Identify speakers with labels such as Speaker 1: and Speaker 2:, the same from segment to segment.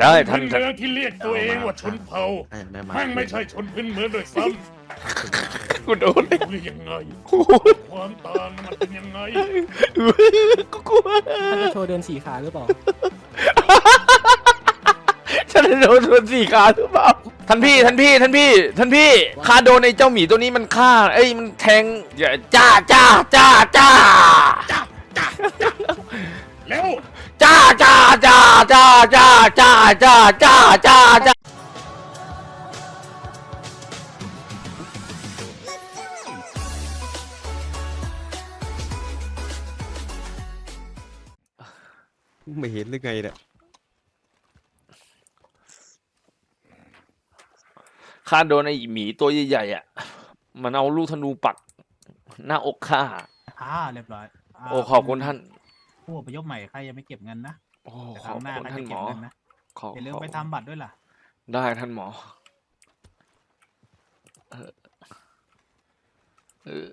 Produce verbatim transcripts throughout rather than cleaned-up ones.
Speaker 1: ช่ท่าน
Speaker 2: เมืองที่เรียกตัวเองว่าชนเผ่าแม่งไม่ใช่ชนพื้นเมืองด้วยซ้ำ
Speaker 1: กูโดน
Speaker 2: หรือยังไงความต่างมันเป็นยังไง
Speaker 1: กูกลัว
Speaker 3: ท่านจะโชว์เดินสี่ขาหรือเปล่า
Speaker 1: ฉันโดนโดนสี่ขาหรือเปล่าท่านพี่ท่านพี่ท่านพี่ท่านพี่ข้าโดนไอ้เจ้าหมีตัวนี้มันฆ่าเอ้ยมันแทงอย่าจ้าจ้าจ้าจ้า
Speaker 2: แล้ว
Speaker 1: จ้าจ้าจ้าจ้าจ้าจ้าจ้าจ้าจ้าจ้า
Speaker 4: ไม่เห็นหรือไงเนี่ย
Speaker 1: ข้าโดนไอ้หมีตัวใหญ่ๆอ่ะมันเอาลูกธนูปักหน้าอกข้า
Speaker 5: อ่าเรียบร้อยา
Speaker 1: โอ้ขอบคุณท่าน
Speaker 5: ผู้อพยพใหม่ใครยังไม่เก็บเงินนะ
Speaker 1: โอ้
Speaker 5: แต่
Speaker 1: ข
Speaker 5: ค
Speaker 1: อบ
Speaker 5: รั้งหน้า
Speaker 1: คุณ
Speaker 5: ใคร
Speaker 1: ท่าน
Speaker 5: จะ
Speaker 1: หม
Speaker 5: เก็บ
Speaker 1: อ
Speaker 5: เงินนะ
Speaker 1: ขอ
Speaker 5: อย่าลืม
Speaker 1: ขอ
Speaker 5: ไปทำบัตรด้วยล่ะ
Speaker 1: ได้ท่านหมอเออเออ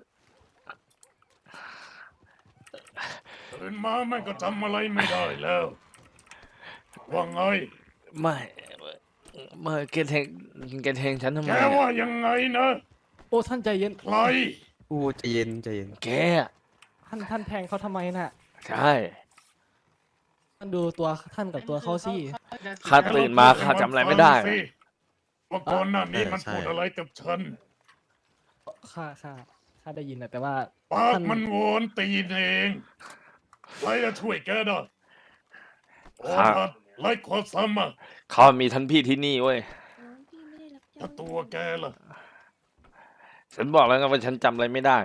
Speaker 2: ตื่นมาแม่งก็จำอะไรไม่ได้แล้วว่าไง
Speaker 1: ไม่ไม่แกแทงแกแทงฉันทำไม
Speaker 2: แกว่ายังไงนะ
Speaker 3: โอ้ท่านใจเย็น
Speaker 2: ใคร
Speaker 4: โอ้ใจเย็นใจเย็น
Speaker 1: แก
Speaker 3: ท่านท่านแทงเขาทำไมน่ะ
Speaker 1: ใช่
Speaker 3: ท่านดูตัวท่านกับตัวเขาสิ
Speaker 1: ข้าตื่นมาข้าจำอะไรไม่ได้
Speaker 2: ว่าก่อนหน้านี้มันพูดอะไรกับฉัน
Speaker 3: ข้าข้าข้าได้ยินนะแต่ว่า
Speaker 2: ปาก
Speaker 3: ท่าน
Speaker 2: มันโวนตีนเองใครจะช่วยแกได้โอ้
Speaker 1: ครับ
Speaker 2: ทัดไล่ขอซ้ำอ่ะ
Speaker 1: เขามีท่านพี่ที่นี่เว้ย
Speaker 2: ถ้าตัวแกล่ะ
Speaker 1: ฉันบอกแล้วไงว่าฉันจำอะไรไม่ได้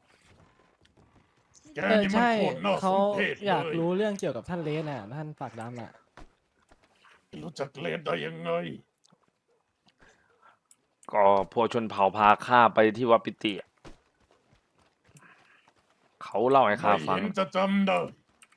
Speaker 2: แก
Speaker 3: เออ
Speaker 2: นี่มัน
Speaker 3: ใช่
Speaker 2: โคตรน่าส
Speaker 3: เขา
Speaker 2: มเพช
Speaker 3: อยาก
Speaker 2: เลย
Speaker 3: รู้เรื่องเกี่ยวกับท่านเลสน่ะท่านปากดำน่ะ
Speaker 2: รู้จักเลนได้ยังไง
Speaker 1: ก็พวกชนเผ่าพาข้าไปที่วัดปิติอะเขาเล่าให้ข้า
Speaker 2: ไม่
Speaker 1: ฟัง
Speaker 2: เห็นจะจำได้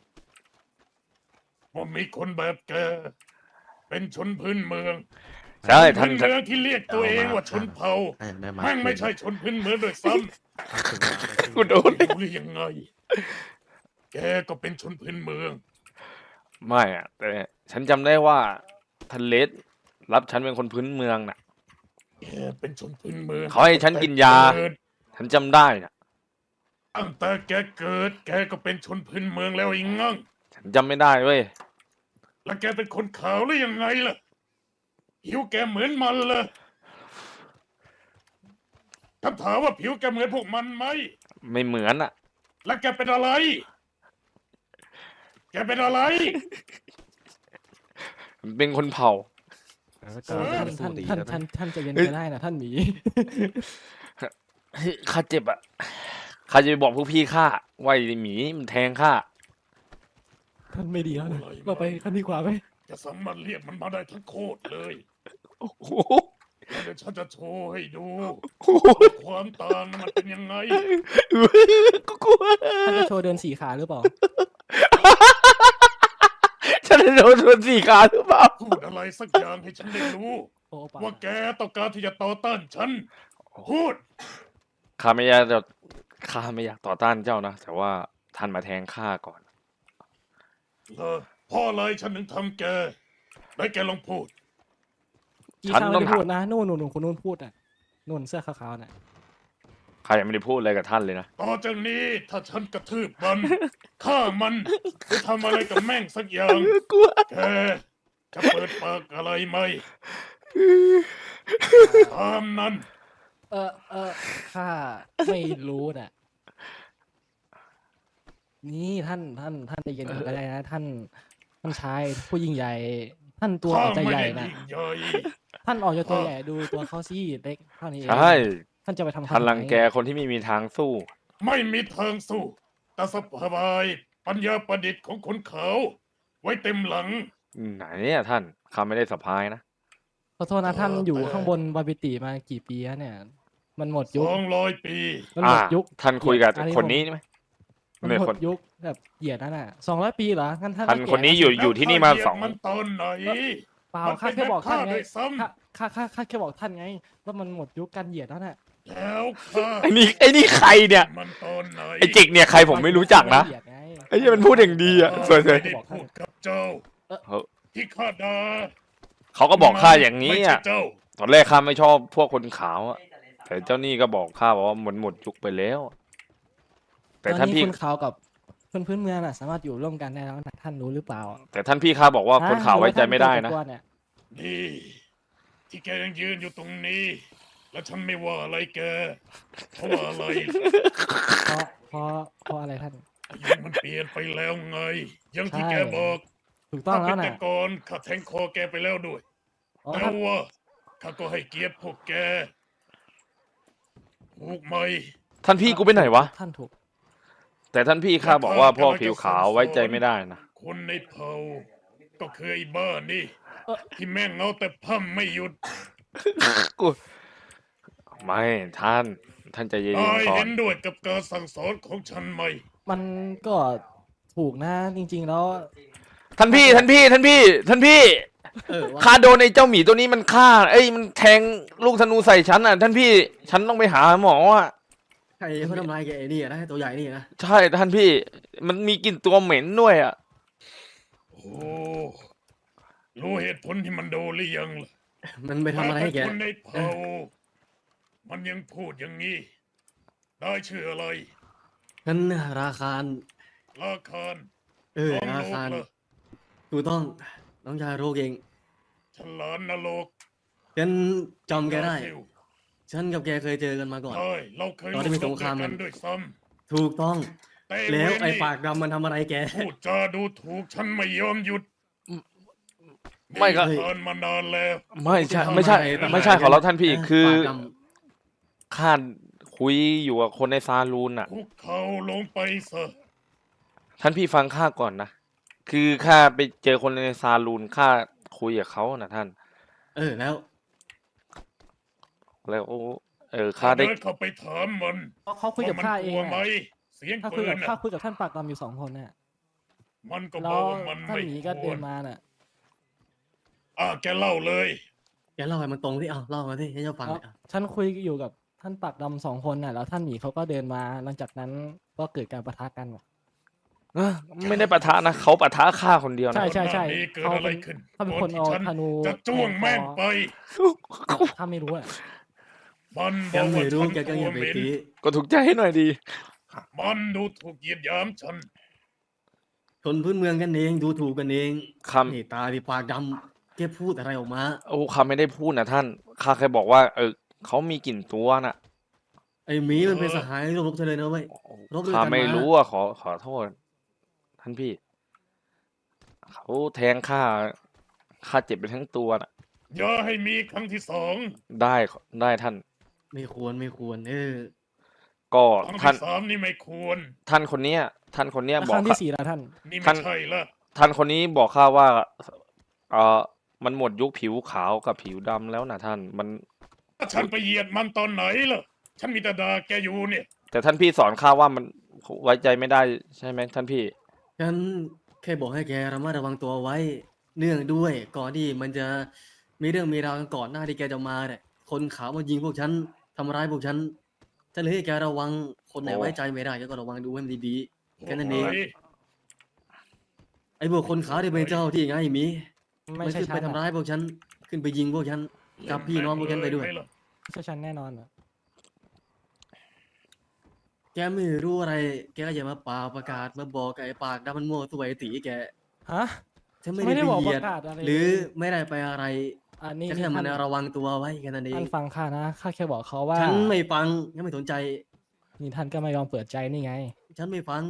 Speaker 2: ว่ามีคนแบบแก เป็นชนพื้นเมือง
Speaker 1: ใช่ท่าน
Speaker 2: ชนพื้นเมืองที่เรียกตัวเองว่าชนเผ่า
Speaker 4: แม่มา
Speaker 2: แม่งไม่ใช่ชนพื้นเมืองด้วยซ้
Speaker 1: กูโดน
Speaker 2: ำรู้หรือยังไง แกก็เป็นชนพื้นเมือง
Speaker 1: ไม่อะแต่ฉันจำได้ว่าท่านเลสรับฉันเป็นคนพื้นเมืองน่ะ
Speaker 2: แกเป็นชนพื้นเมือง
Speaker 1: เขาให้ฉันกินยา
Speaker 2: เกิด
Speaker 1: ฉันจำได้น่ะ
Speaker 2: ตั้งแต่แกเกิด แกก็เป็นชนพื้นเมืองแล้วไอ้งั่ง
Speaker 1: ฉันจำไม่ได้เว้ย
Speaker 2: แล้วแกเป็นคนขาวหรือยังไงล่ะผิวแกเหมือนมันเลยคำถามว่าผิวแกเหมือนพวกมันไหม
Speaker 1: ไม่เหมือนอ่ะ
Speaker 2: แล้วแกเป็นอะไร แกเป็นอะไร
Speaker 1: เป็นคนเผ่า
Speaker 4: แล้วก็
Speaker 2: เออ
Speaker 3: ท่าน
Speaker 4: สู้
Speaker 3: ท่าน
Speaker 4: ดี
Speaker 3: ท่าน
Speaker 4: แล้ว
Speaker 3: ท่าน
Speaker 4: นะ
Speaker 3: ท่านใจเย็น
Speaker 1: เอ้ย
Speaker 3: ไปได้นะท่านหมี
Speaker 1: เฮ้ยข้าเจ็บอ่ะข้าจะไปบอกพวกพี่ข้าว่าไอ้หมีมันแทงข้า
Speaker 3: ท่านไม่ดีแล้วนะ
Speaker 2: อะไร
Speaker 3: เราไปขั้นดีกว่าไหม
Speaker 2: จะสามารถเรียกมันมาได้ทั้งโคตรเลย
Speaker 1: โอ้โห
Speaker 2: แล้วเดี๋ยวฉันจะโชว์ให้ดู
Speaker 1: โอ้โห
Speaker 2: ความต่างมันเป็นยังไง
Speaker 1: กูกลัว
Speaker 3: ท่านจะโชว์เดินสี่ขาหรือเปล่า
Speaker 1: ฉันโดนโดนสี่ขาหรือเปล่า
Speaker 2: พูดอะไรสักอย่างให้ฉันได้รู้
Speaker 3: โอ้ปา
Speaker 2: ว่าแกต้องการที่จะต่อต้านฉัน พูด
Speaker 1: ข้าไม่อยากจะข้าไม่อยากต่อต้านเจ้านะ แต่ว่าท่านมาแทงข้าก่อน
Speaker 2: เออเพ่ออะไรฉันถึงทำแก ได้แกลองพูด
Speaker 3: จี
Speaker 1: ฉัน
Speaker 3: ข้า
Speaker 1: ต้
Speaker 3: ไม่
Speaker 1: อง
Speaker 3: ได้
Speaker 1: ถาม
Speaker 3: พูดนะนู่นนู่นนู่นคนนู่นพูดอ่ะนู่นเสื้อขาวๆน่ะ
Speaker 1: ข้ายังไม่ได้พูดอะไรกับท่านเลยนะ
Speaker 2: ต่อจากนี้ถ้าฉันกระทืบมัน ฆ่ามันหรือทำอะไรกับแม่งสักอย่าง
Speaker 1: กลัว
Speaker 2: แกจะเปิดปากอะไรไหมตามนั้น
Speaker 3: เออเออข้าไม่รู้น่ะ นี่ท่านท่านท่านใจเย็นก่อนก็ได้นะท่านท่านชายผู้ยิ่งใหญ่ ท่านตัว
Speaker 2: ข้า
Speaker 3: อาจจะ
Speaker 2: ไม่
Speaker 3: ใหญ่
Speaker 2: ได้
Speaker 3: นะ
Speaker 2: ยิ่งใหญ่
Speaker 3: ท่านออกจะตัวใหญ่ดูตัวเขาสิเล็กเท่านี้เอง
Speaker 1: ใช่
Speaker 3: ท่านจะไปทำ
Speaker 1: ท่าน
Speaker 3: ทำไม
Speaker 1: รังแกคนที่ไม่มีทางสู้
Speaker 2: ไม่มีทางสู้แต่สบายปัญญาประดิษฐ์ของคนเขา ไว้เต็มหลัง
Speaker 1: ไหนเนี่ยท่านข้าไม่ได้สะพายนะ
Speaker 3: ขอโทษนะท่าน
Speaker 2: เออ
Speaker 3: อยู่
Speaker 2: แต่
Speaker 3: ข้างบนบาบิติมากี่ปีแล้วเนี่ย มันหมด
Speaker 2: ส
Speaker 3: ยุค
Speaker 2: องร้อยปี
Speaker 3: มันหมดยุค
Speaker 1: ท่านคุยกับ
Speaker 3: อั
Speaker 1: คนนี้ไหม
Speaker 3: มัน
Speaker 1: เนี่ย
Speaker 3: หม
Speaker 1: คน
Speaker 3: ดยุคแบบเหยียดนั่นน่ะสองร้อยปีเหรองั้นท่าน
Speaker 1: ท่าน
Speaker 3: ก็แก่
Speaker 1: คนนี้อยู่
Speaker 3: แล้วสิ
Speaker 1: อยู่ที่นี่มา
Speaker 2: แล้ว
Speaker 1: สอง
Speaker 2: ข้เหยียบมันตอนไหน
Speaker 3: เปล่า
Speaker 2: มัน
Speaker 3: ข้า
Speaker 2: เป็น
Speaker 3: แค่บอกท่าน
Speaker 2: แบบ
Speaker 3: ไง
Speaker 2: ข้าด้วยซ้ำ
Speaker 3: ข้าข้าข้าข้าแค่บอกท่านไงว่ามันหมดยุคการเหยียดแล้วน่ะ
Speaker 2: แล้วข้า
Speaker 1: ไอ้นี่ไอ้นี่ใครเนี่ย
Speaker 2: มันตอนไหน
Speaker 1: ไอ้จิกเนี่ยใครผมไม่รู้จักนะ
Speaker 3: เหยียดไง
Speaker 1: ไอ้นี่มันพูดอย่างดีอ่ะสวย
Speaker 2: ไม่ได้พูดกับเจ้า
Speaker 1: ๆเฮ้ย
Speaker 2: ที่ข้าด่า
Speaker 1: เขาก็บอกข้าอย่างนี้
Speaker 2: ไม่
Speaker 1: อ่ะ
Speaker 2: ใช่เจ้า
Speaker 1: ตอนแรกข้าไม่ชอบพวกคนขาวอะแต่เจ้านี่ก็บอกข้าบอกว่าหมดหมดยุคไปแล้ว แต่
Speaker 3: ตอน
Speaker 1: ท่าน
Speaker 3: นี้
Speaker 1: พี่
Speaker 3: คนขาวกับคนพื้นเมืองน่ะ สามารถอยู่ร่วมกันได้แล้วนะท่านรู้หรือเปล่า
Speaker 1: แต่ท่านพี่ข้าบอกว่าคนขาวไว้ใจไม่ได้นะ
Speaker 3: หรือว่าท่าเกิดจากตัวเนี่ย
Speaker 2: นี่ที่แกยังยืนอยู่ตรงนี้ แล้วฉันไม่ว่าอะไรแกเพราะว่าอะไร
Speaker 3: เพราะเพราะเพราะอะไรท่าน
Speaker 2: อายุมันเปลี่ยนไปแล้วไงอยังที่
Speaker 3: ใช่
Speaker 2: แกบอก
Speaker 3: ถูกต้อง
Speaker 2: ถ้า
Speaker 3: แล้
Speaker 2: เป็
Speaker 3: วน
Speaker 2: แต่
Speaker 3: น่ะ
Speaker 2: ก่อนข้าแทงคอแกไปแล้วด้วย
Speaker 3: อ๋อ
Speaker 2: แต่
Speaker 3: ท่าน
Speaker 2: ว่าข้าก็ให้เกียรติพวกแกถูกไหม
Speaker 1: ท่านพี่กูไปไหนวะ
Speaker 3: ท่านถูก
Speaker 1: แต่ท่านพี่ข้าบอกว่าพวกผิวขาวไว้ใจไม่ได้นะ
Speaker 2: คนในเผ่าก็คือไอ้บ้านี่
Speaker 3: เอ่อ
Speaker 2: ที่แม่งเอาแต่พั่มไม่หยุด
Speaker 1: กูไม่ท่านท่านใจเย็น
Speaker 2: นาย
Speaker 1: ๆก่อ
Speaker 2: เห็
Speaker 1: น
Speaker 2: นด้วยกับการสั่งสอนของฉันไหม
Speaker 3: มันก็ถูกนะจริง ๆ แล้ว
Speaker 1: ท่านพี่ท่านพี่ท่านพี่ท่านพี่
Speaker 3: เออว่า
Speaker 1: ข้าโดนไอ้เจ้าหมีตัวนี้มันฆ่า เอ้ยมันแทงลูกธนูใส่ฉันอ่ะ ท่านพี่ฉันต้องไปหาหมออ่ะ
Speaker 6: ใครเขาทำลายแกไอ้นี่นะตัวใหญ่นี่นะ
Speaker 1: ใช่ท่านพี่ มันมีกลิ่นตัวเหม็นด้วยอ่ะ
Speaker 2: โอ้รู้เหตุผลที่มันโดนหรือยังล่ะ
Speaker 6: มันไปทำอะไรให้แก
Speaker 2: แต่คนในเผ่ามันยังพูดอย่างนี้ ได้ชื่ออะไร
Speaker 6: งั้นราคาร
Speaker 2: ราคาน
Speaker 6: เออ
Speaker 2: น้อง
Speaker 6: รา
Speaker 2: โลก
Speaker 6: คาร
Speaker 2: เหรอ
Speaker 6: ถูกต้องน้องชายโรกเอง
Speaker 2: ฉลานนรก
Speaker 6: ฉันจำแกได้
Speaker 2: ซิล
Speaker 6: ฉันกับแกเคยเจอกันมาก่อน
Speaker 2: ใช่เราเคย
Speaker 6: ตอนที่มีสงคราม
Speaker 2: กั
Speaker 6: กัน น
Speaker 2: ด้วยซ้
Speaker 6: ถูกต้อง
Speaker 2: ำแต่
Speaker 6: แล้วไอ้
Speaker 2: เรนี่
Speaker 6: ปากดำมันทำอะไรแก
Speaker 2: พูดจาดูถูกฉันไม่ยอมหยุด
Speaker 1: ไม่ครับ
Speaker 2: นี่ผ่านมานานแล้ว
Speaker 1: ไม่ใช่ไม่ใช่
Speaker 6: ทำอะไร
Speaker 1: ไม่ใช่ขอรับท่านพี่
Speaker 6: เออ
Speaker 1: คือ
Speaker 6: ปากด
Speaker 1: ข้าคุยอยู่กับคนในซาลูนอ่ะ
Speaker 2: คุกเข่าลงไปซะ
Speaker 1: ท่านพี่ฟังข้าก่อนนะ คือข้าไปเจอคนในซาลูนข้าคุยกับเขานะท่าน
Speaker 6: เออแล้ว
Speaker 1: แล้วเออข้าได้
Speaker 2: เดินเข้าไปถามมัน
Speaker 3: เขาเขาคุยกับ
Speaker 2: ว่
Speaker 3: ข้า
Speaker 2: มัน
Speaker 3: เอก ง
Speaker 2: ลัวไหม
Speaker 3: อะ
Speaker 2: เสียง
Speaker 3: ข้าคุ
Speaker 2: ปื
Speaker 3: ยกับ
Speaker 2: นน่ะ
Speaker 3: ข้าคุยกับท่านปากดำอยู่สองคนน่ะ
Speaker 2: มันก็บ
Speaker 3: แล้
Speaker 2: อก
Speaker 3: ว
Speaker 2: ว่ามัน
Speaker 3: ท่าน
Speaker 2: ไม่
Speaker 3: หมี
Speaker 2: ค
Speaker 3: ก็
Speaker 2: ว
Speaker 3: เดิ
Speaker 2: ร
Speaker 3: นมาน่ะ
Speaker 2: อ่ะแกเล่าเลย
Speaker 6: แกเล่าให้มันตรงที่เอาเล่ามาที่ให้เจ้าฟัง
Speaker 3: แล้ว
Speaker 6: หน่อยอ่ะ
Speaker 3: ฉันคุยอยู่กับท่านปากดำสองคนน่ะแล้วท่านหมีเขาก็เดินมา หลังจากนั้นก็เกิดการปะทะกันว่ะ
Speaker 1: เอ้อไม่ได้ปะทะนะเขาปะทะข้าคนเดียวนะ
Speaker 3: ใช่ใช่ใช่
Speaker 2: ก่อนหน้านี้เกิด
Speaker 3: เขา
Speaker 2: อะไร
Speaker 3: เป็น
Speaker 2: ขึ้น
Speaker 3: เขาเป็น
Speaker 2: ก่
Speaker 3: ค
Speaker 2: อน
Speaker 3: น
Speaker 2: ที่
Speaker 3: เอา
Speaker 2: ฉัน
Speaker 3: ธนู
Speaker 2: จะจ้วงแม่งไป
Speaker 3: ถ้าไม่รู้อ่ะ
Speaker 2: มันบ
Speaker 6: แก
Speaker 2: อกว่า
Speaker 6: ไม่รู้
Speaker 2: ฉัน
Speaker 6: แกก็
Speaker 2: ตั
Speaker 6: อ
Speaker 2: ว
Speaker 6: ย่า
Speaker 2: เห
Speaker 6: ไป
Speaker 2: ม็น
Speaker 6: ตี
Speaker 1: ก็ถูกใจให้หน่อยดี
Speaker 2: มันดูถูกเหยียดหยามฉัน
Speaker 6: คนพื้นเมืองกันเองดูถูกกันเอง
Speaker 1: ค
Speaker 6: นี่ตาที่ปากดำแกพูดอะไรออกมา
Speaker 1: ำโอ้ข้าไม่ได้พูดนะท่านข้าแค่บอกว่า เออเขามีกลิ่นตัวน่ะ
Speaker 6: ไอ้หมีมันเป็นสหายรบเธอเลยนะเว้ย รบด้วยกัน
Speaker 1: ข้าไม่
Speaker 6: มา
Speaker 1: รู้อ่ะขอขอโทษ ท่านพี่ เขาแทงข้าข้าเจ็บไปทั้งตัวน่ะ
Speaker 2: อย่าให้มีครั้งที่สอง
Speaker 1: ได้ได้ท่าน
Speaker 6: ไม่ควรไม่ควรเออ
Speaker 1: ก็
Speaker 2: ครั้ง
Speaker 1: ท่าน
Speaker 2: ที่สามนี่ไม่ควร
Speaker 1: ท่านคนเนี้ย ท่านคนเนี้ย
Speaker 3: แล้ว
Speaker 1: บ
Speaker 3: ค
Speaker 1: อก
Speaker 3: รั้ง
Speaker 1: ข้า
Speaker 3: ที่สี่แล้วท่าน
Speaker 2: นี่
Speaker 1: ท่า
Speaker 2: ไม่
Speaker 1: น
Speaker 2: ใช่ละ
Speaker 1: ท่านคนนี้บอกข้าว่าเออมันหมดยุคผิวขาวกับผิวดำแล้วนะท่านมัน
Speaker 2: ถ้าฉันไปเหยียดมันตอนไหนล่ะ ฉันมีแต่ด่าแกอยู่เนี่ย
Speaker 1: แต่ท่านพี่สอนข้าว่ามันไว้ใจไม่ได้ใช่ไหมท่านพี่
Speaker 6: ฉันแค่บอกให้แกระมัดระวังตัวไว้ เนื่องด้วยก่อนที่มันจะมีเรื่องมีราวกันก่อนหน้าที่แกจะมาเนี่ยคนขาวมายิงพวกฉันทำร้ายพวกฉันฉันเลยให้แกระวังคนไหน
Speaker 1: โอ้
Speaker 6: ไว้ใจไม่ได้แกก็ระวังดูให้มันดีๆแค่นั้นเอง
Speaker 2: โอ้ย
Speaker 6: ไอ้พวกคนขาวที่เป็นเจ้าที่ไงหมี
Speaker 3: ไม่
Speaker 6: มัน
Speaker 3: ใช่
Speaker 6: ขึ้น
Speaker 3: ฉั
Speaker 6: ไป
Speaker 3: น
Speaker 6: ทำ
Speaker 3: อะ
Speaker 6: ร้ายพวกฉันขึ้นไปยิงพวกฉัน จับพี่น้องพวกฉันไปด้วย
Speaker 2: ม่ล่ะ
Speaker 3: ไม่ใช่ฉันแน่นอนอะ
Speaker 6: แกไม่รู้อะไร แกก็อย่ามาป่าประกาศมาบอกกับไอ้ปากดำมันมั่วตัวไอ้ตีแก
Speaker 3: ฮะ
Speaker 6: ฉันไม่
Speaker 3: ไม่ได้
Speaker 6: ได้ไป
Speaker 3: บอก
Speaker 6: เหยียด
Speaker 3: ประกาศอะไร
Speaker 6: หรือ
Speaker 3: เลย
Speaker 6: ไม่ได้ไปอะไร
Speaker 3: อันนี้
Speaker 6: ฉัน
Speaker 3: นี่
Speaker 6: แค่มัน
Speaker 3: ท่าน
Speaker 6: ระวังตัวไว้แค่นั้นเอง
Speaker 3: ท่านฟังข้านะข้าแค่บอกเขาว่า
Speaker 6: ฉันไม่ฟังฉันไม่สนใจ
Speaker 3: นี่ท่านก็ไม่ยอมเปิดใจนี่ไง
Speaker 6: ฉันไม่ฟัง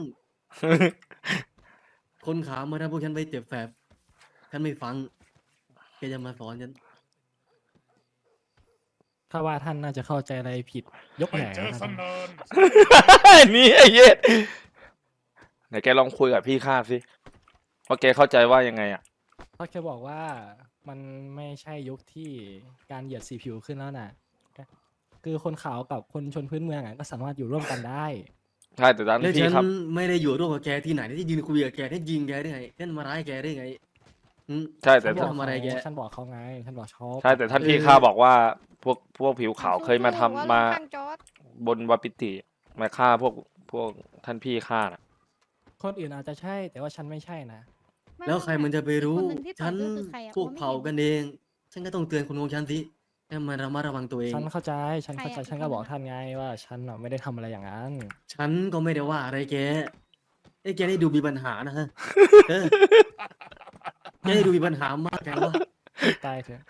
Speaker 6: คนขาวมาทำพวกฉันไปเจ็บแสบฉันไม่ฟังแกจะมาสอนฉัน
Speaker 3: ถ้าว่าท่านน่าจะเข้าใจอะไรผิด ยก
Speaker 2: ไม่
Speaker 3: แหน
Speaker 2: เจอ
Speaker 3: นะ
Speaker 2: ส
Speaker 3: ท่าน
Speaker 2: นาน
Speaker 1: นี่ไอ้เย็ดไหนแกลองคุยกับพี่ข้าสิว่าแกเข้าใจว่ายังไงอ่ะ
Speaker 3: เขาแค่บอกว่ามันไม่ใช่ยุคที่การเหยียดสีผิวขึ้นแล้วน่ะ คือคนขาวกับคนชนพื้นเมืองอะก็สามารถอยู่ร่วมกันได้
Speaker 1: ใช่แต่ท่าน
Speaker 6: แล้ว
Speaker 1: พี่
Speaker 6: ฉัน
Speaker 1: ครับ
Speaker 6: ไม่ได้อยู่ร่วมกับแกที่ไหนที่ยืนคุยกับแกที่ยิงแกได้ไงฉันมาร้ายแกได้ไงอืม
Speaker 1: ใช่แต่
Speaker 3: ฉันบ
Speaker 6: จะ
Speaker 3: อก
Speaker 6: ทำอะไรแก
Speaker 3: ฉันบอกเขาไงฉันบอกเขา
Speaker 1: ใช่แต่ท่านพี่ข้าบอกว่า พวกพวกผิวขาวเคยมาทำ
Speaker 7: สู้ๆ
Speaker 1: มา
Speaker 7: ว่าลงข้างจอร์จ
Speaker 1: บนวาปิติมาฆ่าพวกพวกท่านพี่ข้าน่ะ
Speaker 3: คนอื่นอาจจะใช่ แต่ว่าฉันไม่ใช่นะ
Speaker 7: ไม่
Speaker 6: แล้วใครมันจะไปรู้
Speaker 7: คนหนึ่งที่ต่
Speaker 6: ฉั
Speaker 7: อย
Speaker 6: น
Speaker 7: ด้วยคือใครอะ
Speaker 6: พวก
Speaker 7: มองไม่
Speaker 6: เผ่า
Speaker 7: ห็น
Speaker 6: กันเองฉันก็ต้องเตือนคนของฉันสิให้มันระมัดระวังตัวเอง
Speaker 3: ฉันเข้าใจ ฉันเข้าใจ
Speaker 7: ใครอะ
Speaker 3: ฉันก็
Speaker 7: คน
Speaker 3: บอก
Speaker 7: นั้นอะ
Speaker 3: ท่านไงว่าฉันน่ะไม่ได้ทำอะไรอย่างนั้น
Speaker 6: ฉันก็ไม่ได้ว่าอะไรแกไอ้แกได้ดูมีปัญหานะฮะเออแกได้ดูมีปัญหามากแกว่า
Speaker 3: ตายเถอะ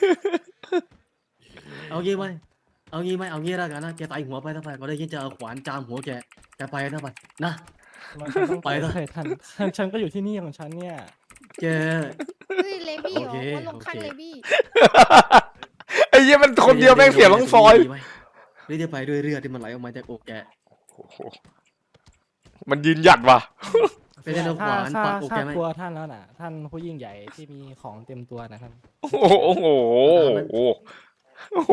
Speaker 6: เอางี้ไหมเอางี้ไหมเอางี้แล้วกันนะแกตายหัวไปถ้าไปก็ได้ยินจะเอาขวานจามหัวแกแกไปถ้าไปนะ
Speaker 3: มันฉันต้อง
Speaker 6: ไป
Speaker 3: ไป
Speaker 6: เถอะ
Speaker 3: เลยท่าน ท่านฉันก็อยู่ที่นี่ของฉันเนี่ย
Speaker 6: แก
Speaker 7: เฮ้ยเลบี้เหร
Speaker 6: โอ
Speaker 7: อ
Speaker 6: เค
Speaker 7: คนลงข้าง
Speaker 6: โอเค
Speaker 7: เลบี้
Speaker 1: ไอ้เหี้ยมันคนเดียวแม่งเสียทั้งซอย
Speaker 6: ดีไหมหรือจะไปด้วยเลือดที่มันไหลออกมาจากอกแก
Speaker 1: โอ้โหมันยืนหยัดว่ะ
Speaker 6: ไปได้เอาข
Speaker 3: ถ้าว
Speaker 6: าน
Speaker 3: ถ้า
Speaker 6: ปักอก
Speaker 3: ถ้า
Speaker 6: แกไหม
Speaker 3: กลัวท่านแล้วน่ะ ท่านผู้ยิ่งใหญ่ที่มีของเต็มตัวนะท่าน
Speaker 1: โอ้โหโอ้โหโอ้โห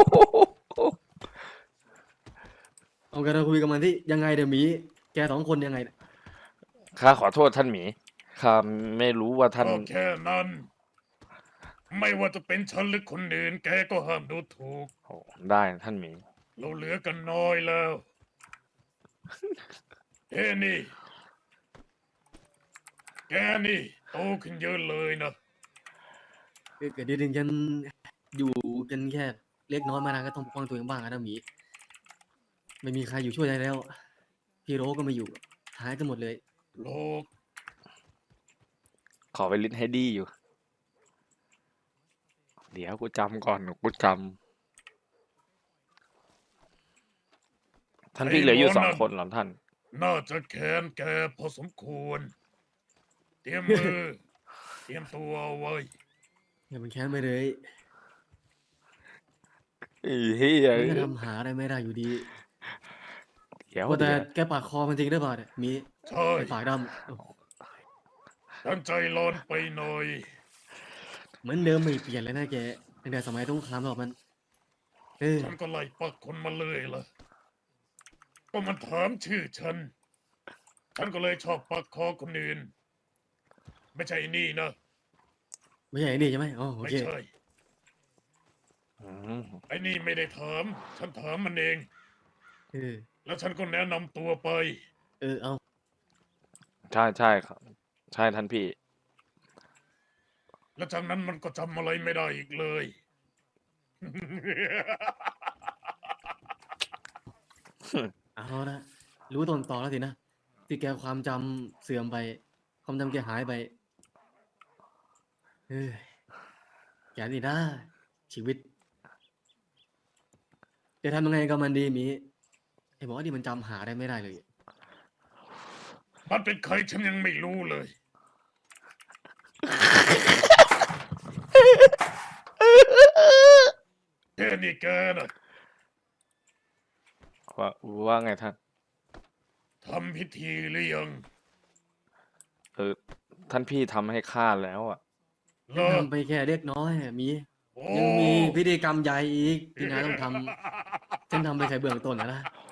Speaker 6: เอาแกเราคุยกันมันที่ยังไงเดี๋ยวหมีแกสองคนยังไงเนี่ย
Speaker 1: ข้าขอโทษท่านหมีข้าไม่รู้ว่าท่าน
Speaker 2: ก็แค่นั้น ไม่ว่าจะเป็นฉันหรือคนอื่น แกก็ห้ามดูถูก
Speaker 1: โอ้ได้ท่านหมี
Speaker 2: เราเหลือกันน้อยแล้ว เอ้นี่ แกนี่โตขึ้นเยอะเลยนะ
Speaker 6: เกิดเดือนฉันอยู่กันแค่เล็กน้อยมานานก็ต้องปกป้องตัวเองบ้างนะหมี ไม่มีใครอยู่ช่วยได้แล้ว พี่โรก็ไม่อยู่หายกันหมดเลย
Speaker 2: โลก
Speaker 1: ขอไปลิสต์ให้ดีอยู่ เดี๋ยวกูจำก่อนกูจำท่านพี่เหลืออยู่สองคนเหรอท่าน
Speaker 2: น่าจะแค้นแกพอสมควร เตรียมมือ เตรียมตัวเอาไว้
Speaker 6: อย่ามันแค้นไปเลย
Speaker 1: ไอ้เหี้ย
Speaker 6: มันก็ทำหาอะไรไม่ได้อยู่ดี
Speaker 1: เดี๋ยว
Speaker 6: ว่าแต่
Speaker 1: เดี๋ยว
Speaker 6: แกปากคอมันจริงหรือเปล่าเนี่ยหมี
Speaker 2: ใช่
Speaker 6: ไอ้ปากดำโอ้
Speaker 2: ท่านใจร้อนไปหน่อย
Speaker 6: เหมือนเดิมไม่เปลี่ยนเลยนะแกตั้งแต่สมัยต้องคามหรอกมัน เออ
Speaker 2: ฉันก็ไล่ปักคนมาเลยล่ะ ก็มันถามชื่อฉัน ฉันก็เลยชอบปักคอคนอื่น ไม่ใช่ไอ้นี่นะ
Speaker 6: ไม่ใช่ไอ้นี่ใช่ไหมอ๋อโอ
Speaker 2: ไม่
Speaker 6: เค
Speaker 2: ใช่
Speaker 1: อืม
Speaker 2: ไอ้นี่ไม่ได้ถาม ฉันถามมันเอง
Speaker 6: เออ
Speaker 2: แล้วฉันก็แนะนำตัวไป
Speaker 6: เออเอา
Speaker 1: ใช่ใช่ครับ ใช่ท่านพี่
Speaker 2: แล้วจากนั้นมันก็จำอะไรไม่ได้อีกเลย
Speaker 6: เอาละรู้ต้นตอแล้วสินะที่แกความจำเสื่อมไป ความจำแกหายไปเออแกนี่นะชีวิตจะทำยังไงกับมันดีหมีไอ้หมอที่มันจำหาได้ไม่ได้เลย
Speaker 2: มันเป็นใครฉันยังไม่รู้เลย แค่นี่แกนะ
Speaker 1: ว่าว่าไงท่าน
Speaker 2: ทำพิธีหรือยัง
Speaker 1: เออ ท่านพี่ทำให้ข้าแล้วอ่ะ
Speaker 2: เหร
Speaker 6: ฉัน
Speaker 2: อ
Speaker 6: ทำไปแค่เล็กน้อยอะหมี
Speaker 2: โอ้
Speaker 6: ยังมีพิธีกรรมใหญ่อีกที่นายต้องทำฉันทำไปแค่เบื้องต้นนะนะ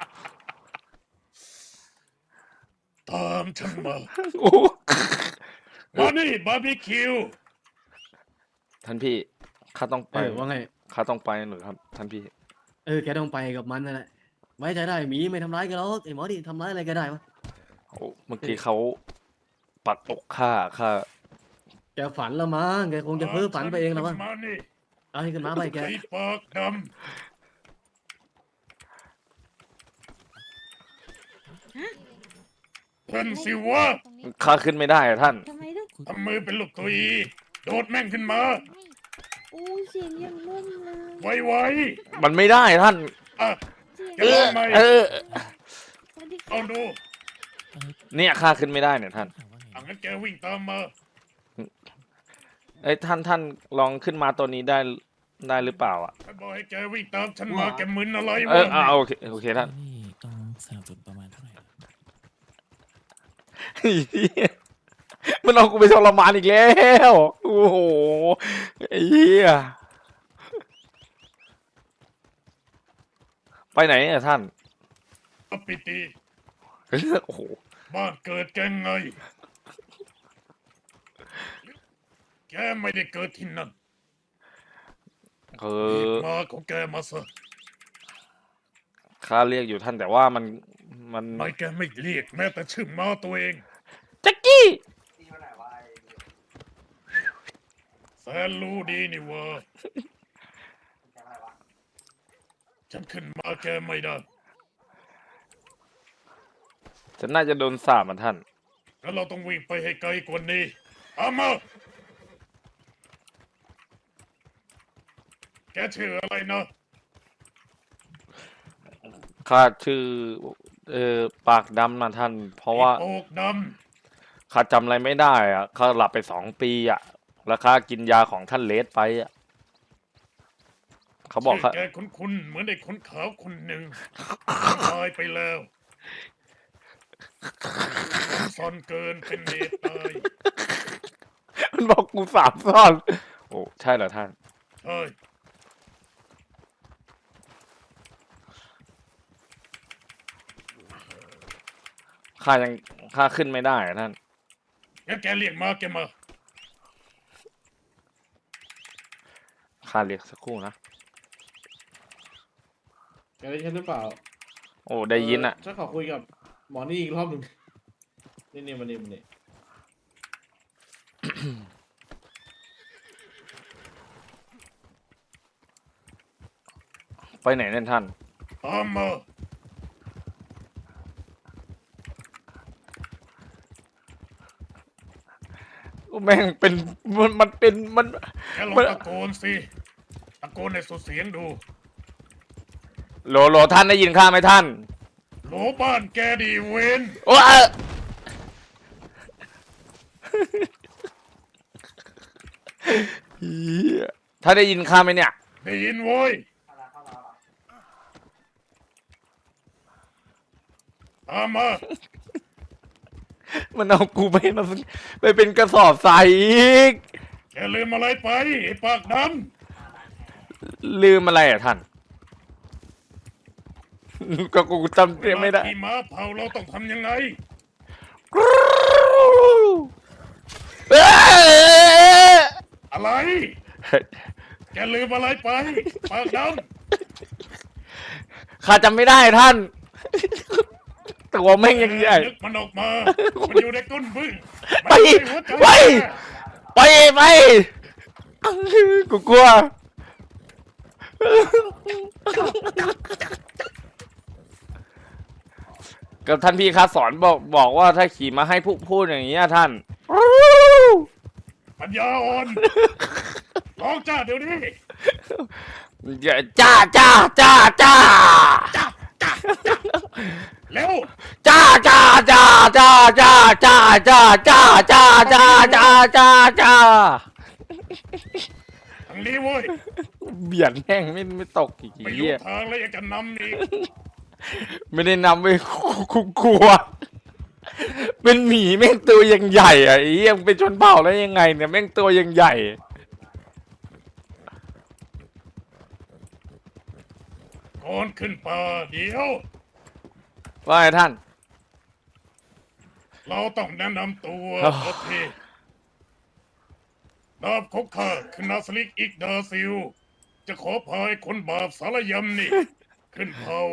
Speaker 2: ตามฉันมา
Speaker 1: โอ้
Speaker 2: มานี่บาร์บีคิว
Speaker 1: ท่านพี่ ข้าต้องไป
Speaker 6: เออว่าไง
Speaker 1: ข้าต้องไปหรือครับ ท่านพี่
Speaker 6: เออแกต้องไปกับมันนั่นแหละไว้ใจได้หมีไม่ทำร้ายแกันหรอกไอ้หมอที่ทำร้ายอะไรแก็ได้วะ
Speaker 1: โอ้เมื่อกี้เขาปัดอกข้าข้า
Speaker 6: แกฝันละมั้งแกคงจะเพ้อฝันไปเองแล้วมั้ง
Speaker 2: มานี่
Speaker 6: เอาให้ขึ้นมาไปแก
Speaker 2: ไอ้ปากดำเพิ่นสิวะ
Speaker 7: ตรงนี้
Speaker 1: ข้าขึ้นไม่ได้อะท่าน
Speaker 7: ทำไมต้อง
Speaker 2: ทำมือเป็นลูกตัวอีโดดแม่งขึ้นมา
Speaker 7: ไม่อู้เสียงยังนุ่มเลย
Speaker 2: ไว
Speaker 1: มันไม่ได้ท่าน
Speaker 2: ๆอ่ะ
Speaker 7: เสียง
Speaker 2: เออ ทำไม
Speaker 1: เออ
Speaker 7: สวัสดีค่ะ
Speaker 2: เอาดู
Speaker 1: เนี่ยข้าขึ้นไม่ได้เนี่ยท่าน
Speaker 2: อังั้นแกวิ่งตามมา
Speaker 1: เอ้ยท่านท่านลองขึ้นมาตัวนี้ได้ได้หรือเปล่าอ่ะ
Speaker 2: ฉันบอกให้แกวิ่งตามฉันมาแกมึนอะไร
Speaker 1: เอ
Speaker 2: วะ
Speaker 1: อเอาโอเคโอเคท่าน
Speaker 8: นี่ต้องสนับสนุนประมาณเท่าไหร่ล่ะ
Speaker 1: มันเอากูไปทรมานอีกแล้ว โอ้โหไอ้เหี้ยไปไหนอ่ะท่าน
Speaker 2: อปิติ
Speaker 1: โอ้โห
Speaker 2: บ้านเกิดแกไง แกไม่ได้เกิดที่นั่น
Speaker 1: เอ
Speaker 2: รีบ
Speaker 1: อ
Speaker 2: มาของแกมาซะ
Speaker 1: ข้าเรียกอยู่ท่านแต่ว่ามันมัน
Speaker 2: ไม่แกไม่เรียกแม้แต่ชื่อมาตัวเอง
Speaker 1: แจ็คกี้
Speaker 2: แสนรู้ดีนี่เวะฉันขึ้นมาแกไม่ได้
Speaker 1: ฉันน่าจะโดนสาบมาท่าน
Speaker 2: แล้วเราต้องวิ่งไปให้ไกลกว่านี้เอามาแกชื่ออะไรนะ
Speaker 1: ข้าชื่อเออปากดำนะท่าน เพราะว่า
Speaker 2: โอกด
Speaker 1: ข้าจำอะไรไม่ได้อ่ะข้าหลับไปสองปีอ่ะ แล้วข้ากินยาของท่านเลสไปอ่ะ เขา
Speaker 2: ำ
Speaker 1: บอก
Speaker 2: ชื่
Speaker 1: ข้า
Speaker 2: แกคุ้นๆเหมือนไอ้คนขาวคนหนึ่งตายไปแล้วซ่อนเกินเป็นเนตตาย
Speaker 1: มันบอกกูสามซ่อน โอ้ใช่เหรอท่าน
Speaker 2: ใช่
Speaker 1: ข้ายังข้าขึ้นไม่ได้อะท่าน
Speaker 2: งั้นแกเรียกมาแกมา
Speaker 1: ข้าเรียกสักครู่นะ
Speaker 9: แกได้ยินหรือเปล่า
Speaker 1: โอ้ได้ยินอ่ะ
Speaker 9: เฉันขอคุยกับหมอนี่อีกรอบหนึ่งนี่นี่มันนี่มันนี่
Speaker 1: ไปไหนเนี่ยท่าน
Speaker 2: ตามมา
Speaker 1: แม่งเป็นมันมันเป็นมัน
Speaker 2: แกลอง
Speaker 1: มัน
Speaker 2: ตะโกนสิตะโกนในสุดเสียงดู
Speaker 1: โหลโหลท่านได้ยินข้าไหมท่าน
Speaker 2: โหลบ้านแกดีเวน
Speaker 1: โอ้เออเหี้ยท่านได้ยินข้าไหมเนี่ย
Speaker 2: ได้ยินโว้ยตามมา
Speaker 1: มันเอากูไปมาไปเป็นกระสอบทรายอีก
Speaker 2: แกลืมอะไรไปไอ้ปากด
Speaker 1: ลืมอะไรอ่ะท่าน ก็กูจำ
Speaker 2: ำ
Speaker 1: เสียไม่ได้
Speaker 2: ขี่ม้าเผาเราต้องทำยังไง
Speaker 1: เอ้ย
Speaker 2: อะไร แกลืมอะไรไป ปากด
Speaker 1: ข้าจำไม่ได้ท่าน ตัวแม่งยังใหญ่
Speaker 2: นึกมันออกมา มันอยู่ในก้นบึ้ง
Speaker 1: ไป
Speaker 2: มันอยู่ในหัวใจ
Speaker 1: ไป ไปไปกูกลัว กับท่านพี่คะสอนบอกบอกว่าถ้าขี่มาให้พูดพูดอย่างนี้ยท่าน
Speaker 2: ปัญญาอ่อนร้องจ้าเดี๋ยวนี้
Speaker 1: อย่าจ้าจ้าจ้าจ้า
Speaker 2: เร็ว
Speaker 1: จ้าจ้าจ้าจ้าจ้าจ้าจ้าจ้าจ้าจ้าจ้าจ้าจ้า
Speaker 2: ทางนี้เว้ย
Speaker 1: เบียดแม่งไม่ไม่ตกอีก
Speaker 2: ไม่รู้
Speaker 1: เหี้ย
Speaker 2: ทางแล้วยังจะนำอีก
Speaker 1: ไม่ได้นำไปคุกกลัว เป็นหมีแม่งตัวยังใหญ่อ่ะไอ้เหี้ยมึงเป็นชนเผ่าแล้วยังไงเนี่ยแม่งตัวยังใหญ่
Speaker 2: ก่อนขึ้นป่าเดี๋ยว
Speaker 1: ว่าไงท่าน
Speaker 2: เราต้องแนะนำตัว
Speaker 1: อ๋อ
Speaker 2: โอเคนามของข้าคือนาสลิกอิกดาซิล จะขอพายคนบาปสารยำนี่ ขึ้นเผา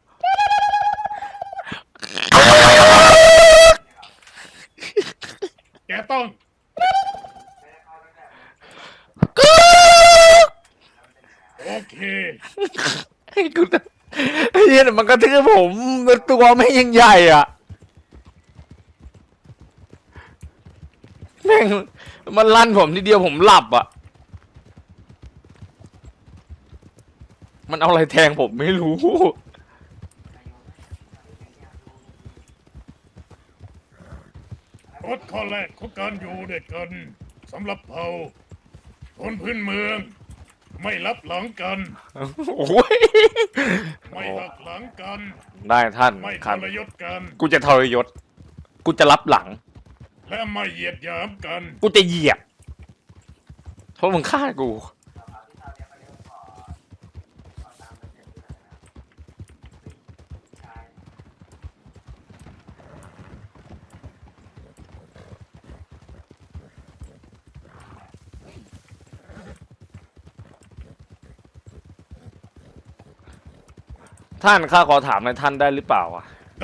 Speaker 2: แกต้อง โอเค
Speaker 1: ไอ้กูไอ้เหี้ยมันกระทืบผมตัวแม่งยังใหญ่อ่ะแม่งมันลั่นผมทีเดียวผมหลับอ่ะ มันเอาอะไรแทงผมไม่รู้
Speaker 2: กฎข้อแรกของการอยู่ด้วยกันสำหรับเผ่าคนพื้นเมือง ไม่รับหลังกัน
Speaker 1: โอ้ย
Speaker 2: ไม่หักหลังกัน
Speaker 1: ได้ท่าน
Speaker 2: ไม่
Speaker 1: ค
Speaker 2: ท
Speaker 1: รับ
Speaker 2: รยศกัน
Speaker 1: กูจะทรยศ กูจะรับหลัง
Speaker 2: และไม่เหยียดหยามกัน
Speaker 1: กูจะเหยียบ เพราะมึงฆ่ากู ท่านข้าขอถามในอยท่านได้หรือเปล่าอ่ะ
Speaker 2: ได้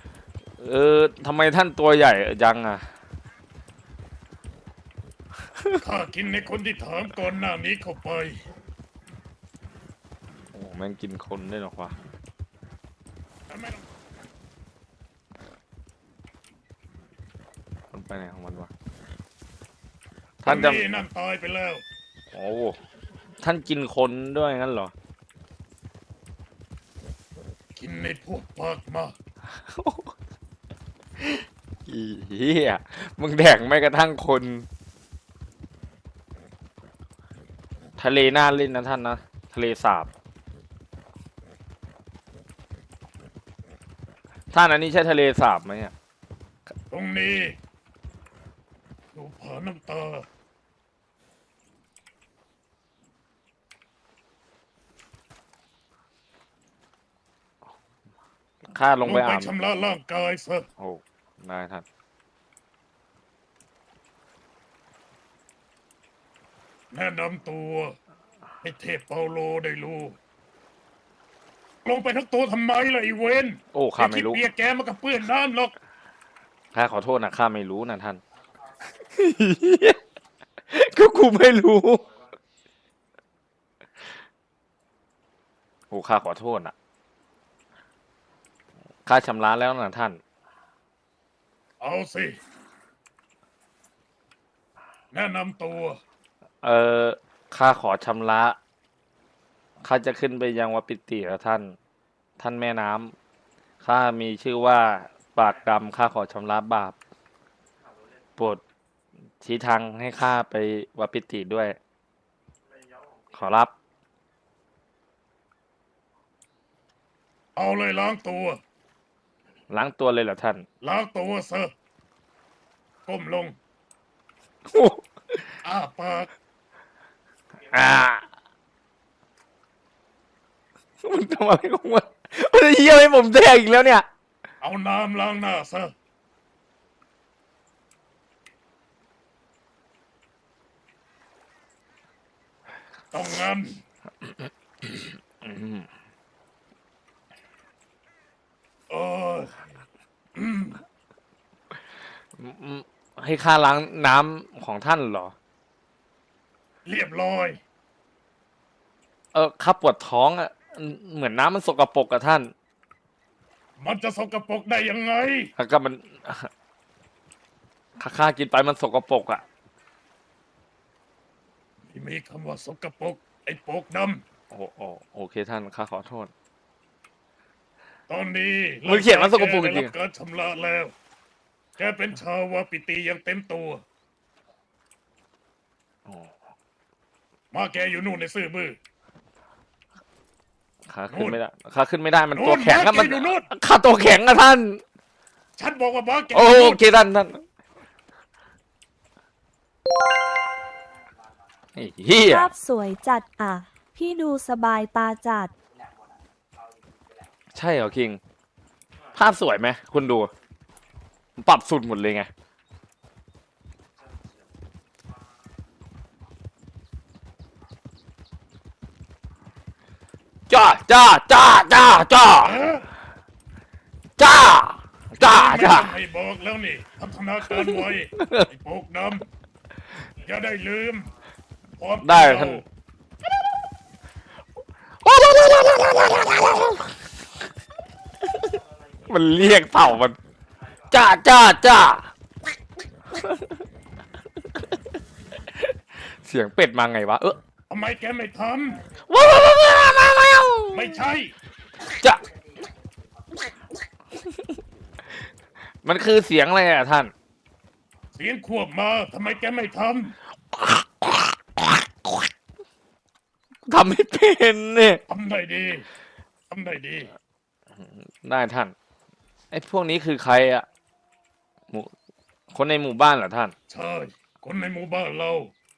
Speaker 1: เออทำไมท่านตัวใหญ่จังอ่ะ
Speaker 2: ข้ากินในคนที่ถามก่อนหน้านี้เข้าไป
Speaker 1: โอ้แม่งกินคนได้หรอวะ
Speaker 2: แต่ไม่ต้อง
Speaker 1: มันไปไหนของมันวะ
Speaker 2: ท่า
Speaker 1: ท่าน นจะ
Speaker 2: นี่นั่นตายไปแล้ว
Speaker 1: โอ้ท่านกินคนด้วยงั้นเหรอ
Speaker 2: กินในพวกปากมา
Speaker 1: อีเหี้ยมึงแดกไม่กระทั่งคน ทะเลน่าเล่นนะท่านนะ ทะเลสาบ ท่านอันนี้ใช่ทะเลสาบไหมอ่ะ
Speaker 2: ตรงนี้ดูผาน้ำตา
Speaker 1: ข้าลงไป
Speaker 2: ไป
Speaker 1: อาบ
Speaker 2: ชำระร่างกายซะ
Speaker 1: โอ้ได้ท่าน
Speaker 2: แนะนำตัวให้เทพเปาโลได้รู้ ลงไปทั้งตัวทำไมล่ะไอีเวน
Speaker 1: โอ้ข้าไม่รู้
Speaker 2: อ้ที่เปียกแกมันก็เปื้อนน้ำหรอก
Speaker 1: ข้าขอโทษนะข้าไม่รู้นะท่าน ก็กูไม่รู้ โอ้ข้าขอโทษนะข้าชำระแล้วนะท่าน
Speaker 2: เอาสิ แนะนำตัว
Speaker 1: เออข้าขอชำระ ข้าจะขึ้นไปยังวัดปิติแล้วท่าน ท่านแม่น้ำข้ามีชื่อว่าปากดำข้าขอชำระบาป โปรดชี้ทางให้ข้าไปวัดปิติด้วย ขอรับ
Speaker 2: เอาเลยล้างตัว
Speaker 1: ล้างตัวเลยเหรอท่าน
Speaker 2: ล้างตัวซะก้มลง อ้าปาก
Speaker 1: อ่ามันทำอะไรของมันมันจะเยี่ยมให้ผมแดกอีกแล้วเนี่ย
Speaker 2: เอาน้ำล้างหน้าซะ ต้องงั้น เอออืม
Speaker 1: ให้ข้าล้างน้ำของท่านเหรอ
Speaker 2: เรียบร้อย
Speaker 1: เออข้าปวดท้องอ่ะ เหมือนน้ำมันสกปรกอะท่าน
Speaker 2: มันจะสกปรกได้ยังไง
Speaker 1: แล้วก็มันข้าข้ากินไปมันสกปรกอ่ะ
Speaker 2: ที่มีคำว่าสกปรกไอ้โปกด
Speaker 1: โอ้โอ้โอเคท่านข้าขอโทษ
Speaker 2: ำตอนนี้
Speaker 1: มันเขียนว่าสกปรกจริงๆ
Speaker 2: แได้บการชำระแล้ว แกเป็นชาววาปิตีอย่างเต็มตัว
Speaker 1: อ๋อ
Speaker 2: มาแกอยู่นู่นในซื่อบื้อ
Speaker 1: ข้าขึ้นไม่ได้ข้าขึ้นไม่ได้มันตัวแข็ง
Speaker 2: นู่
Speaker 1: อะ
Speaker 2: น
Speaker 1: มัน
Speaker 2: แกอยู่นู่น
Speaker 1: ข้าตัวแข็งอะท่าน
Speaker 2: ฉันบอกว่ามาแก
Speaker 1: โอ
Speaker 2: อยู่นู่น
Speaker 1: เคท่านท่านไอ้เฮีย
Speaker 10: ภาพสวยจัดอ่ะ พี่ดูสบายตาจัด
Speaker 1: ใช่เหรอคิง ภาพสวยไหมคุณดู ปรับสุดหมดเลยไง จ้าจ้าจ้าจ้าจ้า
Speaker 2: เอ๊ะ
Speaker 1: จ้าจ้า
Speaker 2: ไม่
Speaker 1: จ้า
Speaker 2: ต้องให้บอกแล้วนี่พัฒนาการไว้ ไอ้โปกดำอย่าได้ลืมความ
Speaker 1: ได้
Speaker 2: เก่า
Speaker 1: ท่าน มันเรียกเต่ามัน จ้าจ้าจ้า เสียงเป็ดมาไงวะ เออ
Speaker 2: ทำไมแกไม่ท
Speaker 1: ว้าวว้าวว้าวว้าวว้าว
Speaker 2: ำไม่ใช่
Speaker 1: จ้ามันคือเสียงอะไรอะท่าน
Speaker 2: เสียงขวบมาทำไมแกไม่ท
Speaker 1: ทำไม่เป็นเนี่ย
Speaker 2: ำทำได้ดีทำได้ดี
Speaker 1: ได้ท่าน ไอ้พวกนี้คือใครอะหมู่คนในหมู่บ้านเหรอท่าน
Speaker 2: ใช่ คนในหมู่บ้านเรา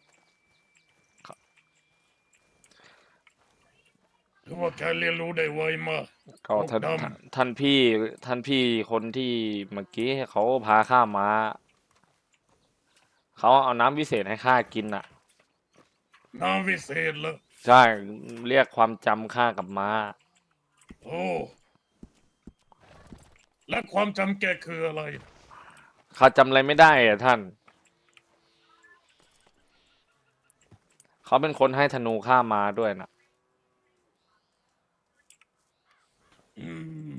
Speaker 2: ถือว่าแกเรียนรู้ได้ไวมาก
Speaker 1: ก็ท่าน
Speaker 2: ดำ
Speaker 1: ท่านท่านพี่ท่านพี่คนที่เมื่อกี้เขาพาข้ามา เขาเอาน้ำวิเศษให้ข้ากินอ่ะ
Speaker 2: น้ำวิเศษเหรอ
Speaker 1: ใช่เรียกความจำข้ากลับมา
Speaker 2: โอ้ และความจำแกคืออะไร
Speaker 1: ข้าจำอะไรไม่ได้อ่ะท่านเขาเป็นคนให้ธนูข้ามาด้วยนะ
Speaker 2: อืม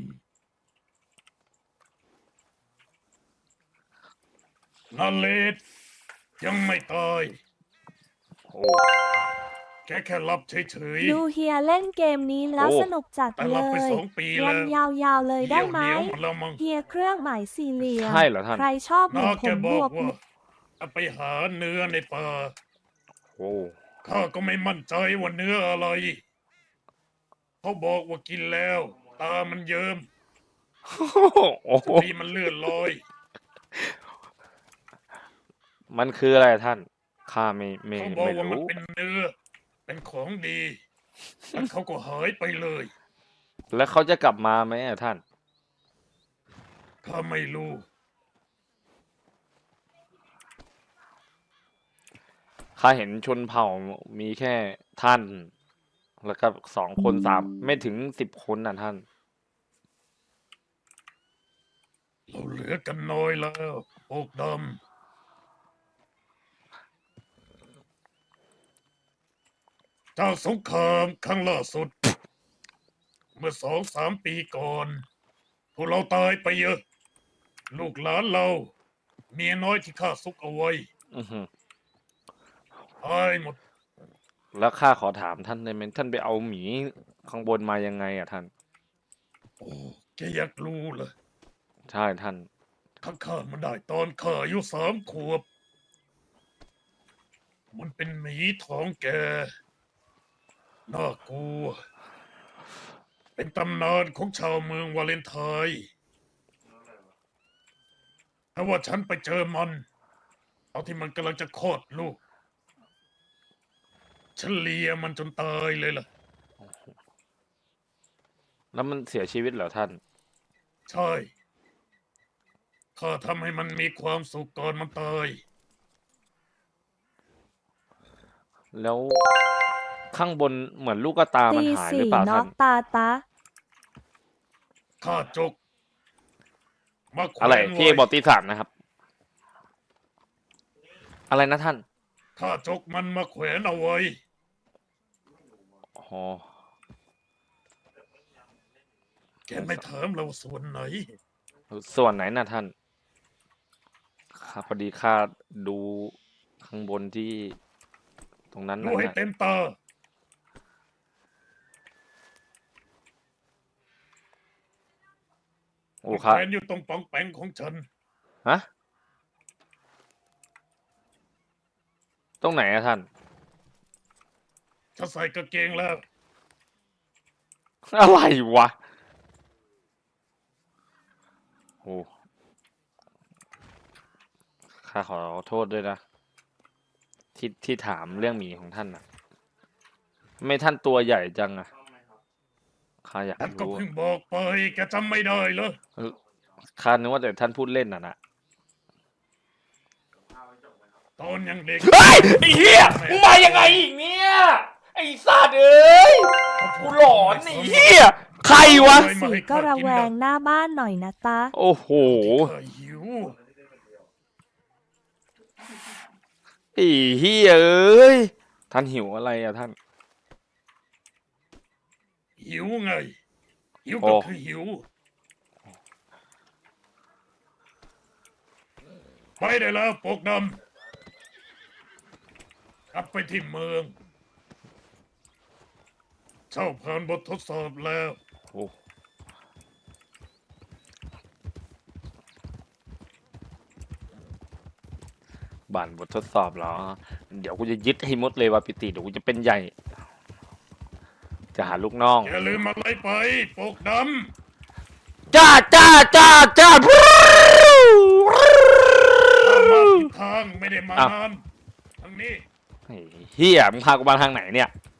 Speaker 2: นาเลดยังไม่ตาย
Speaker 1: โอ้
Speaker 2: แค่แค่หลับเฉย
Speaker 10: ดูเฮียเล่นเกมนี้แล้ว
Speaker 1: โอ้
Speaker 10: สนุกจัด
Speaker 2: ๆแต่ห
Speaker 10: เล
Speaker 2: ลับไป
Speaker 10: ย
Speaker 2: สองปี
Speaker 10: รั
Speaker 2: แล้
Speaker 10: น
Speaker 2: วย
Speaker 10: าวๆเลยได้ไหม
Speaker 2: เหี่ยวเหนียวหมดแล้วมั้ง
Speaker 10: เฮียเครื่องหมายสี่เหลี่ยม
Speaker 1: ใช่เหรอท่าน
Speaker 10: ใครชอบหมู
Speaker 2: น้า
Speaker 10: ผ
Speaker 2: แก
Speaker 10: ม
Speaker 2: บบ อ
Speaker 10: ว
Speaker 2: ก
Speaker 10: ก
Speaker 2: ว่าเอาไปหาเนื้อในป่า
Speaker 1: โอ้
Speaker 2: ข้าก็ไม่มั่นใจว่าเนื้ออะไร เขาบอกว่ากินแล้ว ตามันเยิ้ม
Speaker 1: โอ้
Speaker 2: สติมันเลื่อนลอย
Speaker 1: มันคืออะไรท่าน ข้าไม่ไม่
Speaker 2: เขาบอก
Speaker 1: ไม่
Speaker 2: ว่ามัน
Speaker 1: รู้
Speaker 2: เป็นเนื้อ เป็นของดีแล้วเขาก็หายไปเลย
Speaker 1: แล้วเขาจะกลับมาไหมอะท่าน
Speaker 2: ข้าไม่รู้
Speaker 1: ข้าเห็นชนเผ่ามีแค่ท่าน แล้วก็สองคนสามไม่ถึงสิบคนน่ะท่าน
Speaker 2: เราเหลือกันน้อยแล้วโอกดำเจ้าสงครามครั้งล่าสุด เมื่อสองสามปีก่อน พวกเราตายไปเยอะ ลูกหลานเรา เมียน้อยที่ข้าซุกเอาไว้
Speaker 1: อือหือ
Speaker 2: ตายหมด
Speaker 1: แล้วข้าขอถามท่านได้ไหมท่านไปเอาหมีข้างบนมายังไงอะท่าน
Speaker 2: โอ้แกอยากรู้เหรอ
Speaker 1: ใช่ท่าน
Speaker 2: ข้าข้ามันได้ตอนข้าอายุสามขวบ มันเป็นหมีท้องแกน่ากลัว เป็นตำนานของชาวเมืองวาเลนไทน์แต่ว่าฉันไปเจอมันตอนที่มันกำลังจะคลอดลูก ฉันเลียมันจนตายเลยล่ะ
Speaker 1: แล้วมันเสียชีวิตเหรอท่าน
Speaker 2: ใช่ ข้าทำให้มันมีความสุขก่อนมันตาย
Speaker 1: แล้วข้างบนเหมือนลูกกระตามัน
Speaker 10: ตี
Speaker 1: หายหรือ
Speaker 10: สี่
Speaker 1: เปล่า
Speaker 10: น็
Speaker 1: ท่า
Speaker 10: อน กตาตา
Speaker 2: ข้าจก มาแขว
Speaker 1: อะไร
Speaker 2: น
Speaker 1: พี่
Speaker 2: ไว้
Speaker 1: บอกตีสามนะครับ อะไรนะท่าน
Speaker 2: ข้าจกมันมาแขวนเอาไว้
Speaker 1: อ๋อ
Speaker 2: แกไม่ถามเราส่วนไหน
Speaker 1: ส่วนไหนน่ะท่านข้าพอดีข้าดูข้างบนที่ตรงนั้น
Speaker 2: ดู
Speaker 1: น่ะ
Speaker 2: ให้
Speaker 1: นะ
Speaker 2: เต็มตา
Speaker 1: โอ้
Speaker 2: มัน
Speaker 1: ครั
Speaker 2: แข
Speaker 1: บ
Speaker 2: วนอยู่ตรงปองแปงของฉัน
Speaker 1: ฮะ ตรงไหนอะท่าน
Speaker 2: ถ้าใส่กางเกงแล้ว
Speaker 1: อะไรวะ โอ้ข้าขอโทษด้วยนะ ที่ที่ถามเรื่องหมีของท่านนะไม่ท่านตัวใหญ่จังอะข้าอยาก
Speaker 2: ฉันก็
Speaker 1: รู้
Speaker 2: เพิ่งบอกไปแกจำไม่ได้เหรอ
Speaker 1: เออข้านึกว่าแต่ท่านพูดเล่นน่ะนะ
Speaker 2: ตอนยังเด็ก
Speaker 1: เฮ้ยไอ้เหี้ยมึงมายังไงอีกเนี่ย ไอ้สัตว์เอ้ยกูหลอนไอ้เหี้ยใครวะ
Speaker 10: สี่ก็ระแวงหน้าบ้านหน่อยนะตา
Speaker 1: โอ้โห
Speaker 2: ข้าหิว
Speaker 1: ไอ้เหี้ยเอ้ย ท่านหิวอะไรอะท่าน
Speaker 2: หิวไง หิว
Speaker 1: โอ้
Speaker 2: ก็คือหิว ไปได้แล้วปกดำกลับไปที่เมือง เจ้าผ่านบททดสอบแล้ว
Speaker 1: โอ้บานบททดสอบเหรอ เดี๋ยวกูจะยึดให้หมดเลยว่าปิติเดี๋ยวกูจะเป็นใหญ่ จะหาลูกน้อง
Speaker 2: อย่าลืมอะไรไปปกด
Speaker 1: จ้าจ้าจ้าจ้า
Speaker 2: ำข้ามาผิดทางไม่ได้มา
Speaker 1: อ้าว
Speaker 2: นานทางนี้
Speaker 1: ไอ้เฮียมึงพากูมาทางไหนเนี่ย